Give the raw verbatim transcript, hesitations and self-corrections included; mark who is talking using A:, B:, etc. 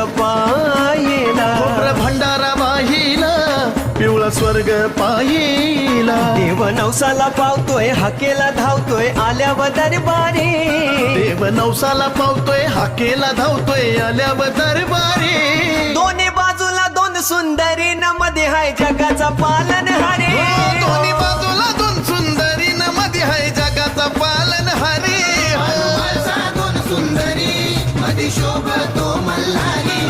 A: पाहिला,
B: खोबरं भंडारा वाहिला, पिवळा स्वर्ग पाहिला.
A: देव नवसाला पावतोय हाकेला धावतोय आल्यावर दरबारी,
B: देव नवसाला पावतोय हाकेला धावतोय आल्यावर दरबारी.
A: दोन्ही बाजूला दोन सुंदरी न मध्ये हाय जगाचा पालनहारी.
B: हो, दोन्ही बाजूला दोन सुंदरी न मध्ये हाय जगाचा पालनहारी.
C: दोन सुंदरी मध्ये शोभतो मल्हारी.